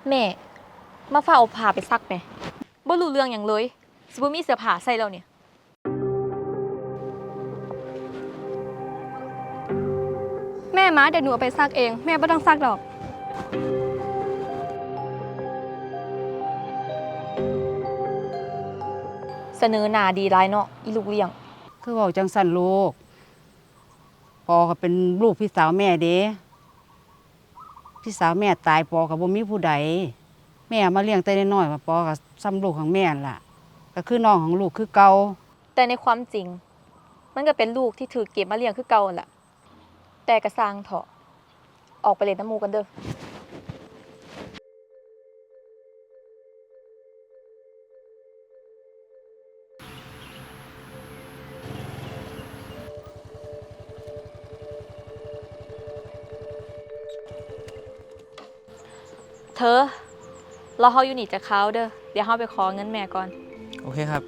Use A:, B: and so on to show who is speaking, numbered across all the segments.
A: แม่มาฝ้าเอาผ้าไปซักไหมบ่รู้เรื่องอย่างเลยสิบ่มีเสื้อผ้าใส่แล้วเนี่ย
B: แม่มาเดี๋ยวหนูเอาไปซักเองแม่ไม่ต้องซักดอก
A: เสนอหน้าดีร้ายเนาะอีลูกเลี้ยง
C: คือเว้าจังสั่นลูกปอก็เป็นลูกพี่สาวแม่เด้พี่สาวแม่ตายปอก็บ่มีผู้ใดแม่มาเลี้ยงแต่น้อยๆว่าปอก็ซ้ำลูกของแม่ล่ะก็คือน้องของลูกคือเก่า
A: แต่ในความจริงมันก็เป็นลูกที่ถือเก็บมาเลี้ยงคือเก่าแหละแต่กระสร้างเถาะออกไปเล่นน้ำมูกันเด้อเธอเราเฮาอยู่นี่จะเขาเด้อเดี๋ยวเฮาไปขอเงินแม่ก่อน
D: โอเคครับ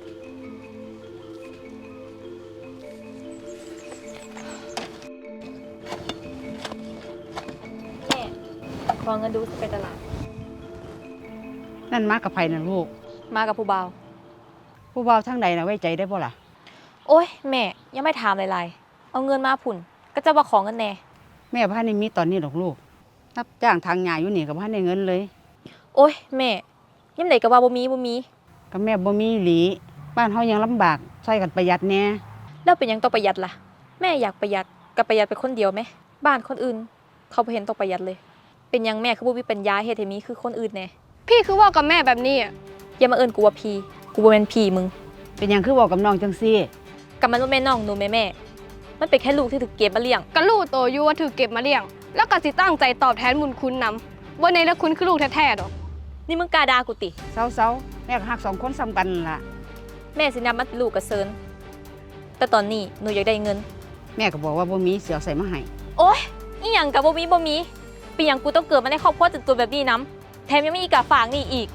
A: แม่ขอเงินดูสิไปตลาด
C: นั่นมากับไผน่ะลูก
A: มากับผู้บ่าว
C: ผู้บ่าวทางใดน่ะไว้ใจได้บ่ล่ะ
A: โอ๊ยแม่ยังไม่ถามหลายๆเอาเงินมาผุ่นก็จะว่าขอเงินแน่
C: แม่บ่ทันได้มีตอนนี้ดอกลูกรับจ้างทางหญ้าอยู่นี่ก็บ่ทันได้เงินเลย
A: โอ๊ยแม่ยามใดก็ว่าบ่มี
C: ก็แม่บ่มีอีหลีบ้านเฮายังลำบากช่วยกันประหยัดแหน่
A: แล้วเป็นหยังต้องประหยัดล่ะแม่อยากประหยัดก็ประหยัดไปคนเดียวไหมบ้านคนอื่นเขาบ่เห็นต้องประหยัดเลยเป็นหยังแม่คือบ่มีปัญญาเฮ็ดให้มีคือคนอื่นแน่
B: พี่คือว่ากับแม่แบบนี้อ่ะ
A: อย่ามาเอิ้นกูว่าพี่กูบ่แม่นพี่มึง
C: เป็นหยังคือเว้ากับน้องจังซี่
A: กับมันบ่แม่นน้องหนูแม่มันเป็นแค่ลูกที่ถูกเก็บมาเลี้ยง
B: ก็ลูกโตอยู่ว่าถือเก็บมาเลี้ยงแล้วก็สิตั้งใจตอบแทนบุญคุณนำว่าในละคุณคือลูกแท้ๆดอก
A: นี่มึงกล้าด่ากูติ
C: เซาๆแม่ก็ฮัก2คนซ้ำกันล่ะ
A: แม่สินับมันเป็นลูกกระเซินแต่ตอนนี้หนูอยากได้เงิน
C: แม่ก็บอกว่าบ่มีเสียใส่มาให้
A: โอ๊ยอีหยังกับบ่มีเป็นหยังกูต้องเกิดมาในครอบครัวจนๆแบบนี้นำแถมยังมีอีกกะฝากนี่อีก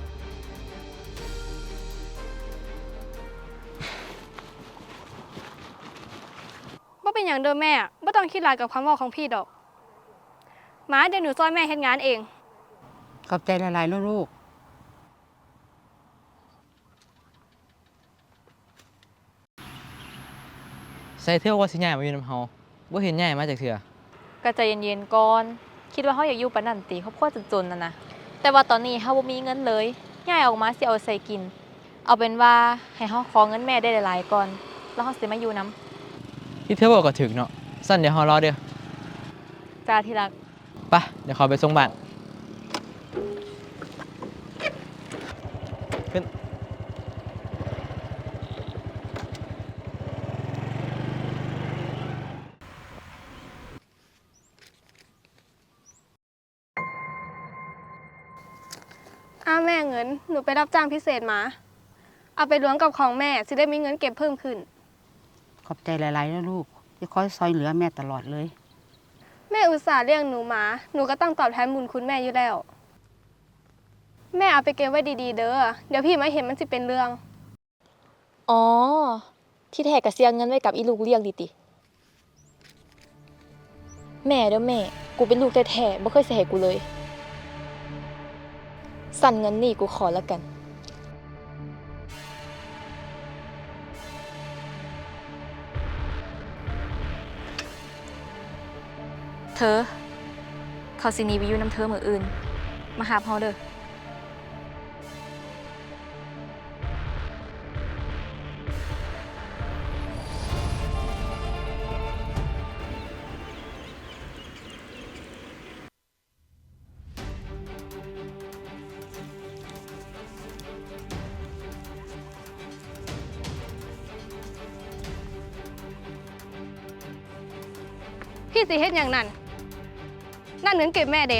B: ว่าเป็นอย่างเดิมแม่ไม่ต้องคิดหลายกับคำว่าของพี่ดอกมาเดี๋ยวหนูซอยแม่เฮ็ดงานเอง
C: ขอบใจหลายๆลูก
D: ใส่เที่ยวว่าสิใหญ่มาอยู่นำเฮาบ่เห็นใหญ่มาจากเถื่อ
A: ก็ใจเย็นๆก่อนคิดว่าเฮาอยากอยู่ปานนั้นติครอบครัวจนๆนะแต่ว่าตอนนี้เฮาบ่มีเงินเลยย้ายออกมาสิเอาใส่กินเอาเป็นว่าให้เฮาขอเงินแม่ได้หลายๆก่อนแล้วเฮาสิมาอยู่นำ
D: ที่เที่ยวบอกก็ถึกเนาะสั่นเดี๋ยวเฮารอเด้อ
A: จ้าที่รัก
D: ไปเดี๋ยวขอไปส่งบ้านขึ้น
B: แม่เงินหนูไปรับจ้างพิเศษมาเอาไปล้วงกับของแม่สิได้มีเงินเก็บเพิ่มขึ้น
C: ขอบใจหลายๆนะลูกที่คอยซอยเหลือแม่ตลอดเลย
B: แม่อุตส่าห์เลี้ยงหนูมาหนูก็ต้องตอบแทนบุญคุณแม่อยู่แล้วแม่เอาไปเก็บไว้ดีๆเด้อเดี๋ยวพี่มาเห็นมันสิเป็นเรื่อง
A: อ๋อที่แท้ก็เสียเงินไว้กับอีลูกเลี้ยงดิติแม่เด้อแม่กูเป็นลูกแท้ๆบ่เคยสิให้กูเลยสั่นเงินนี่กูขอแล้วกันเธอเขาสิหนีไปอยู่น้ำเธอมื้ออื่นมาหาเฮาเด้อ
B: พี่สิเฮ็ดอย่างนั้นนั่นเงินเก็บแม่เด้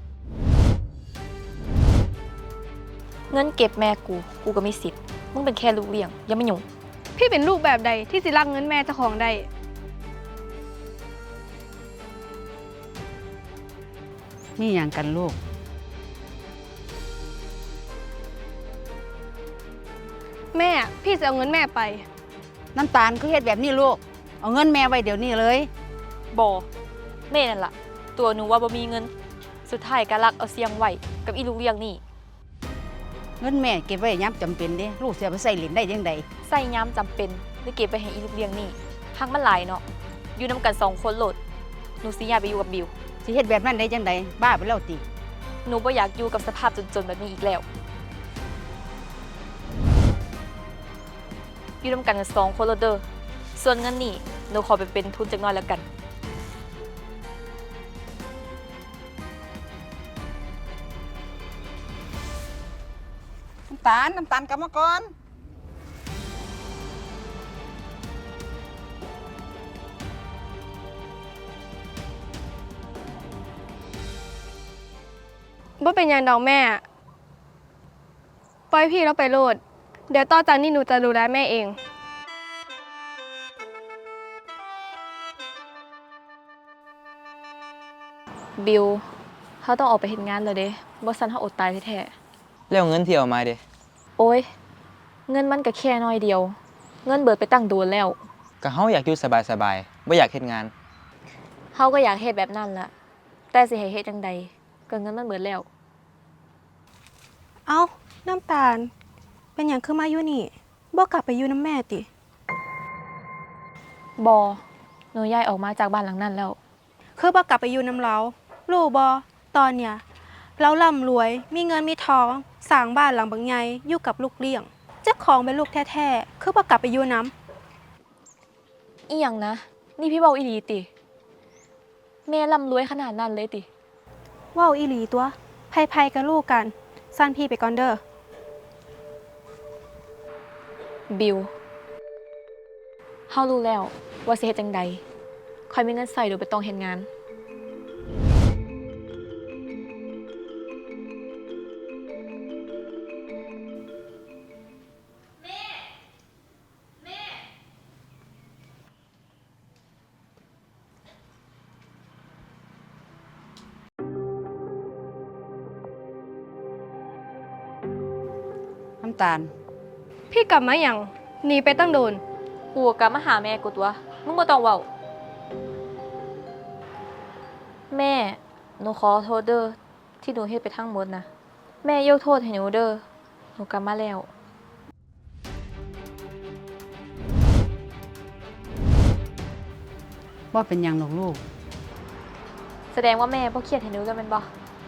A: เงินเก็บแม่กูก็มีสิทธิ์มึงเป็นแค่ลูกเลี้ยงอย่ามายุ่ง
B: พี่เป็นลูกแบบใดที่สิรักเงินแม่เจ้าของได้
C: นี่อย่างกันลูก
B: แม่พี่จะเอาเงินแม่ไป
C: น้ำตาลคือเฮ็ดแบบนี้ลูกเอาเงินแม่ไว้เดี๋ยวนี้เลย
A: บ่แม่นั่นล่ะตัวหนูว่าบ่มีเงินสุดท้ายก็รักเอาเสียงไว้กับอีลูกเลี้ยงนี่
C: เงินแม่เก็บไว้ยามจำเป็นเด้ลูกสิเอาไปใช้เล่นได้จังได
A: ใส่ยามจำเป็นหรือเก็บไปให้อีลูกเลี้ยงนี่หักมันหลายเนาะอยู่นํกัน2 คนโหลดหนูสิย้ายไปอยู่กับบิว
C: สิเฮ็ดแบบนั้นได้จังไดบ้าไปแล้วติ
A: หนูบ่อยากอยู่กับสภาพจนๆแบบนี้อีกแล้ว อยู่นํกัน2 คนโหลดเด้อส่วนเงินนี่หนูขอไปเป็นทุนจักหน่อยแล้วกัน
E: น้ำตาลกลับมาก่อน
B: บ่เป็นหยังดอกแม่ ปล่อยพี่เราไปโลด เดี๋ยวต่อจากนี้หนูจะดูแลแม่เอง
A: บิวเขาต้องออกไปเฮ็ดงานแล้วเด้บ่ซันเขาอดตายแท้
D: แล้วเงินที่เอามาเด้
A: ๆโอ้ย เงินมันก็แค่น้อยเดียว เงินเบิดไปตั้งโดนแล้ว
D: ก็เฮาอยากอยู่สบายๆบ่อยากเฮ็ดงาน
A: เฮาก็อยากเฮ็ดแบบนั้นล่ะ แต่สิให้เฮ็ดจังใดก็เงินมันเบิดแล้ว
F: เอ้า น้ำตาล เป็นอย่างคือมาอยู่นี่บ่กลับไปอยู่น้ำแม่ติ
A: บอหนูย้ายออกมาจากบ้านหลังนั้นแล้ว
F: คือบ่กลับไปอยู่น้ำเรารู้บ่ตอนเนี้ยเราร่ำรวยมีเงินมีทองสร้างบ้านหลังบักใหญ่อยู่กับลูกเลี้ยงเจ้าของเป็นลูกแท้ๆคือบ่กลับไปอยู่น้
A: อีหยังนะ นี่พี่เบาอีหลีติ แม่ร่ำรวยขนาดนั้นเลยติ
F: ำเว้าอีหลีตัวไผๆกับลูกกันสั้นพี่ไปก่อนเด้อ
A: บิวเฮารู้แล้วว่าสิเฮ็ดจังใดค่อยมีเงินใส่โดยบ่ต้องเฮ็ดงาน
C: น้ำตาล
B: พี่กลับมาอย่างหนีไปตั้งโดน
A: กูก็กลับมาหาแม่กูตัว มึงบ่ต้องเว้า แม่ หนูขอโทษเด้อที่หนูเฮ็ดไปทั้งหมดนะ แม่ยกโทษให้หนูเด้อ หนูกลับมาแล้ว
C: บ่เป็นหยังดอกลูก
A: แสดงว่าแม่บ่เครียดให้หนูกันแม่นบ่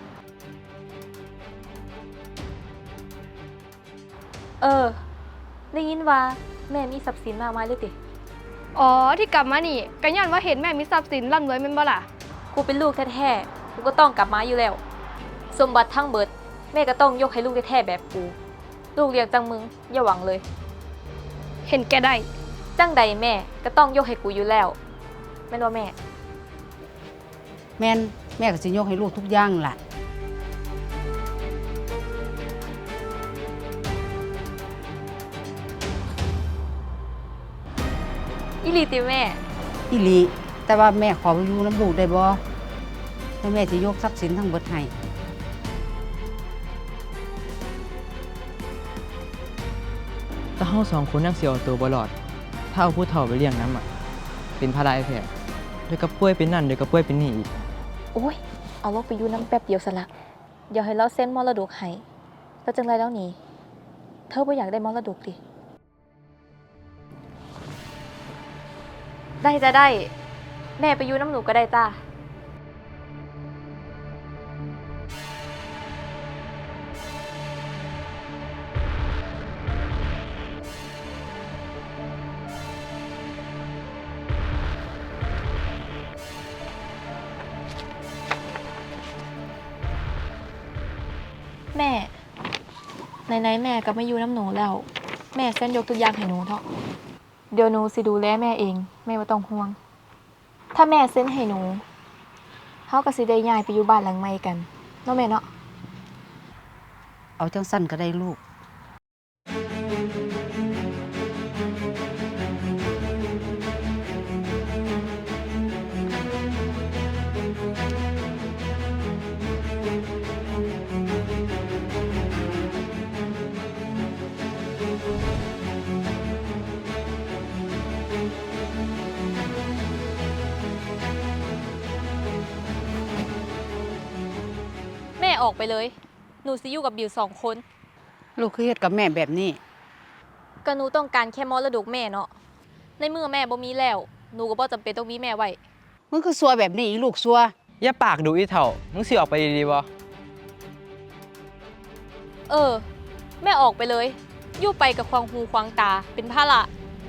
A: ได้ยินว่าแม่มีทรัพย์สินมากมายเลยติ
B: อ๋อ ที่กลับมานี่ก็ย้อนว่าเห็นแม่มีทรัพย์สินร่ำรวยแม่นบ่ล่ะ
A: กูเป็นลูกแท้ๆ กูก็ต้องกลับมาอยู่แล้ว สมบัติทั้งเบิด แม่ก็ต้องยกให้ลูกแท้ๆแบบกู ลูกเลี้ยงจังมึงอย่าหวังเลย
B: เห็นแกได้
A: จังใดแม่ก็ต้องยกให้กูอยู่แล้วแม่นว่าแม่
C: แม่นแม่ก็สิยกให้ลูกทุกอย่างล่ะ
A: อีหลีติแม่
C: อีหลีแต่ว่าแม่ขอไปอยู่น้ำลูกได้บ่แล้วแม่สิยกทรัพย์สินทั้งเบิดให้
D: แต่เฮาสองคนยังสิเอาตัวบ่รอด ถ้าเอาผู้เฒ่าไปเลี้ยงน้ำอ่ะ เป็นภาระไอ้แท้เดี๋ยวก็ป่วยเป็นนั่นเดี๋ยวก็ป่วยเป็นนี่อีก
A: โอ้ย เอาลูกไปอยู่น้ำแป๊บเดียวซะละเดี๋ยวให้เราเซ็นมรดกให้แล้วจังไรแล้วนี่ เธอบ่อยากได้มรดกดิ ได้จะได้ แม่ไปอยู่น้ำหนูก็ได้จ้า แม่ไหนๆแม่ก็ไม่อยู่น้ำหนูแล้ว แม่เส้นยกตัวอย่างให้หนูเถอะเดี๋ยวหนูสิดูแลแม่เอง แม่ไม่ต้องห่วง ถ้าแม่เส้นให้หนูเขาก็สิได้ย้ายไปอยู่บ้านหลังใหม่กันเนาะแม่เนาะ
C: เอาจังสั้นก็ได้ลูก
A: แม่ออกไปเลย หนูสิอยู่กับบิว2 คน
C: ลูกคือเฮ็ดกับแม่แบบนี้
A: ก็หนูต้องการแค่มรดกแม่เนาะในเมื่อแม่บ่มีแล้วหนูก็บ่จำเป็นต้องมีแม่ไว้
C: มึงคือซัวแบบนี้อีลูกซัว
D: อย่าปากดูอีเถ่ามึงสิออกไปดีๆบ่
A: เออ แม่ออกไปเลยอยู่ไปกับควางหูควางตาเป็นภาระ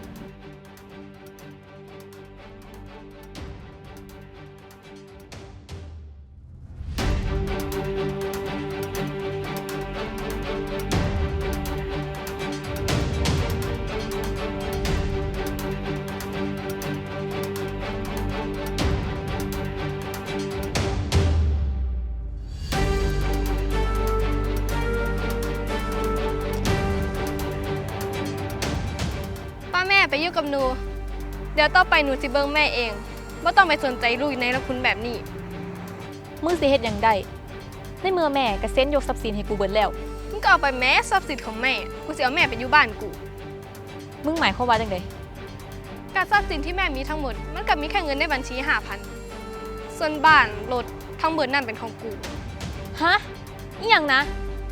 B: ป้าแม่ไปอยู่กับหนู เดี๋ยวต่อไปหนูสิเบิ่งแม่เองบ่ต้องไปสนใจลูกในละคุณแบบนี้
A: มึงสิเฮ็ดหยังได้ในเมื่อแม่ก็เซ็นยกทรัพย์สินให้กูเบิดแล้ว
B: มึงก็เอาไปแม้ทรัพย์สินของแม่ กูสิเอาแม่ไปอยู่บ้านกู
A: มึงหมายความว่าจังได
B: การทรัพย์สินที่แม่มีทั้งหมด มันก็มีแค่เงินในบัญชี5,000ส่วนบ้านรถทั้งเบิดนั่นเป็นของกู
A: ฮะอีหยังนะ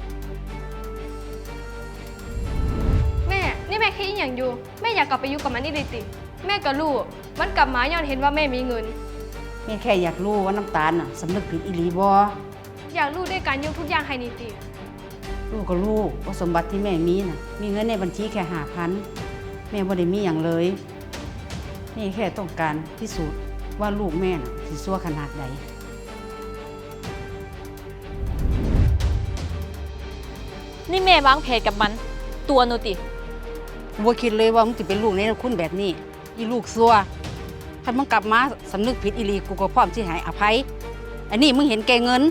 B: แม่นี่แม่คิดอหย่างอยู่แม่อยากกลับไปอยู่กับมันนี่เลยติแม่ก็รู้มันกลับมาย้อนเห็นว่าแม่มีเงิน
C: แม่แค่อยากรู้ว่าน้ำตาลน่ะสำนึกผิดอีหลีบ่
B: อยากรู้ด้วยการยกทุกอย่างให้นี่ติ
C: ลูกก็รู้ว่าสมบัติที่แม่มีน่ะ มีเงินในบัญชีแค่5,000แม่บ่ได้มีหยังเลยแม่แค่ต้องการพิสูจน์ว่าลูกแม่น่ะสิซัวขนาดใด
A: นี่แม่วางแผนกับมัน ตัวหนูติ
C: กูบ่คิดเลยว่ามึงสิเป็นลูกในคุณแบบนี้ อีลูกซัวถ้ามึงกลับมาสำนึกผิดอีหลีกูก็พร้อมสิให้อภัย อันนี้มึงเห็นแก่เงิน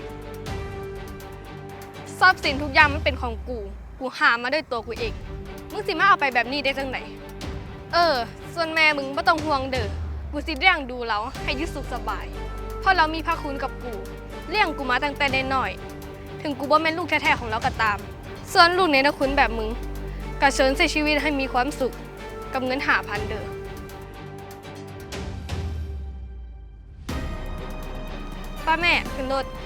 B: ทรัพย์สินทุกอย่างมันเป็นของกู กูหามาด้วยตัวกูเอง มึงสิมาเอาไปแบบนี้ได้จังไหนส่วนแม่มึงไม่ต้องห่วงเด้อ กูสิเลี้ยงดูเราให้อยึดสุขสบาย เพราะเรามีพระคุณกับกู เลี้ยงกูมาตั้งแต่น้อยๆถึงกูบ่แม่นลูกแท้ๆของเราก็ตาม ส่วนลูกในนะคุณแบบมึงก็เชิญใช้ชีวิตให้มีความสุขกับเงิน5,000เด้อป้าแม่ขึ้นรถ